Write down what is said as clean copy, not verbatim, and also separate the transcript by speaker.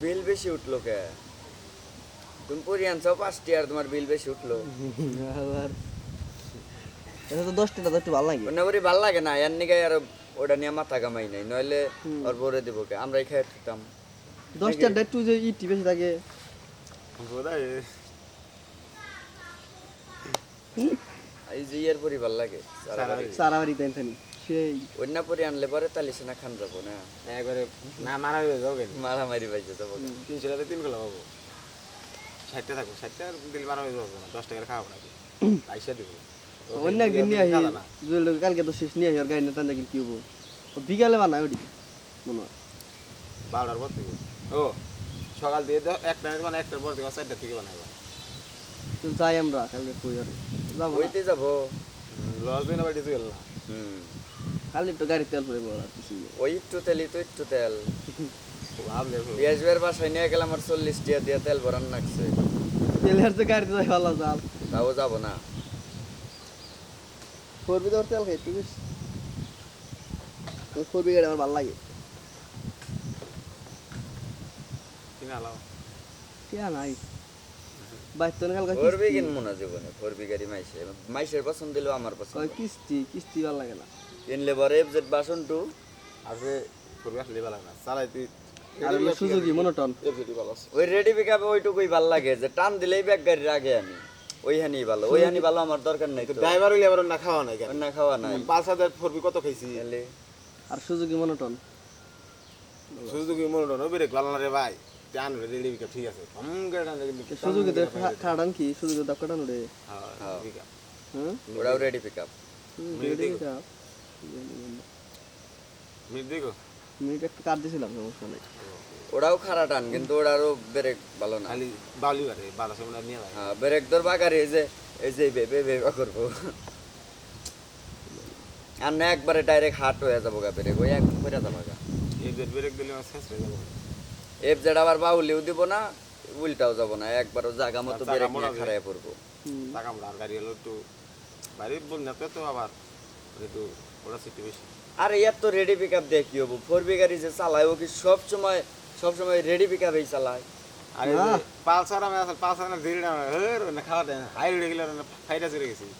Speaker 1: বিল বেশি উঠলো কে? তুমি পরি আনছো 5টি আর তোমার বিল বেশি উঠলো।
Speaker 2: আবার এটা তো 10 টাকা তো একটু ভালো লাগে।
Speaker 1: অন্য করি ভাল লাগে না, এর নিকে আর ওটা নিয়ে মাথা কামাই নাই, নইলে ওর বরে দিব কে, আমরাই খেয়ে দিতাম।
Speaker 2: 10 টাকা একটু যে ইটি বেশি থাকে।
Speaker 1: এই যে ইয়ার পরি ভাল লাগে
Speaker 2: সারা বাড়ি টেনশন সেই
Speaker 1: অন্য পরি আনলে পরে তালি সেনা খান যাবো না,
Speaker 3: একবারে না মারা হয়ে যাও কেন
Speaker 1: মারামারি পাইছে যাবো।
Speaker 3: 300 টাকা 3 কিলো পাবো 60 টাকা থাকবো 60 টাকার দিল মারা হয়ে যাবো না 10 টাকার খাওয়াবো না আইসা দিব
Speaker 2: অন্য একদিন নিয়ে আসি জুয়েল কালকে তো শেষ নিয়ে আসি আর গাড়ি না টান কি হবো বিকালে বানায় ওটি মনে হয়
Speaker 3: 12টার পর থেকে ও সকাল দিয়ে একটা মানে একটার পর থেকে 4টা থেকে বানাবো
Speaker 2: তো যাই আমরা কালকে কই আর যাবো না।
Speaker 1: ওইতে যাবো।
Speaker 3: লস দিন বাড়ি গেল না
Speaker 1: হুম,
Speaker 2: খালি তো গাড়ি তেল পড়ে বড় কিছু নেই।
Speaker 1: ওই একটু তেলই তো একটু তেল।
Speaker 3: ভাবলে
Speaker 1: পিয়াজবের বাসায় নিয়ে গেলাম আর 40 টাকা দিয়ে তেল ভরান লাগছে,
Speaker 2: তেলের তো গাড়িতে যাই ভালো চাল
Speaker 1: তাও যাবো না।
Speaker 2: ফোরবি তোর তেল খাই তুই ফোরবি গাড়ি আমার ভালো লাগে
Speaker 3: কিনা লাও
Speaker 2: কে নাই বাইক তো কালকে
Speaker 1: ফোরবি কিনবো না জীবনে, ফোরবি গাড়ি মাইসের পছন্দ দিলেও আমার পছন্দ
Speaker 2: কয়
Speaker 1: না।
Speaker 2: কিস্তি ভালো লাগে না
Speaker 1: কিনলে পরে এফজেড বাসন টু
Speaker 3: আজকে করবে আসলে ভালো না চালাই তুই
Speaker 2: আর সুযোগী মনোটন
Speaker 3: এফিডি ভালো আছে
Speaker 1: ওই রেডি পিকআপে ওইটুকুই ভাল লাগে, যে টান দিলেই ব্যাগ গাড়ির আগে আমি ওইখানেই ভালো, ওইখানে ভালো আমার দরকার নাই তো।
Speaker 3: ড্রাইভার হইলে আবার না খাওয়া নাই কেন
Speaker 1: অন্য খাওয়া নাই
Speaker 3: 5000 ফোরবি কত খাইছি
Speaker 1: এলে
Speaker 2: আর সুযোগী মনোটন
Speaker 3: সুজুকি মনোটন ওবেরে গলানা রে ভাই জান রেডি বিকা ঠিক আছে কম গাড়া কিন্তু
Speaker 2: সুযোগী তো খাড়ান কি সুযোগী দাপ কাটানো রে
Speaker 3: হ্যাঁ বিকা
Speaker 2: হ্যাঁ
Speaker 1: ওরাও রেডি পিকআপ।
Speaker 3: মিট দেখো
Speaker 2: মিনিট একটু কাট দিয়েছিলাম সমস্যা নেই
Speaker 1: ওরাও খারাপ টান, কিন্তু ওরারও ব্রেক ভালো না।
Speaker 3: খালি বাউলি বারে 1200 মিনিট নিয়ে ভাই
Speaker 1: হ্যাঁ, ব্রেক ধরবা গাড়ি এই যে বেবে বেবা করবো, আর না একবারে ডাইরেক্ট হাট হয়ে যাবো গা, ব্রেক ওই এক করে যাবো গা।
Speaker 3: এই যে ব্রেক দিলে শেষ হয়ে যাবে
Speaker 1: এফজেড আবার বাউলিও দিব না, উল্টাও যাব না, একবারও জায়গা মতো
Speaker 3: জায়গা
Speaker 1: ব্রেক
Speaker 3: মোড়া
Speaker 1: নিয়ে খাড়ায় পড়বো।
Speaker 3: টাকা মোড়া আর গাড়ি হলো একটু বাইরে বন্যাতে তো আবার একটু ওরা সিটি বেশি
Speaker 1: আর ইয়ার তো রেডি পিকআপ দিয়ে কি হবো, ফোরবি গাড়ি যে চালায় ও কি সবসময় রেডি পিকআপেই চালায়।
Speaker 3: আর এই যে পালসার আমি আসলে পালসার না ধীরে না হের না খাওয়া দেয় হাই উড়ে গেলে ফাইটা চলে গেছি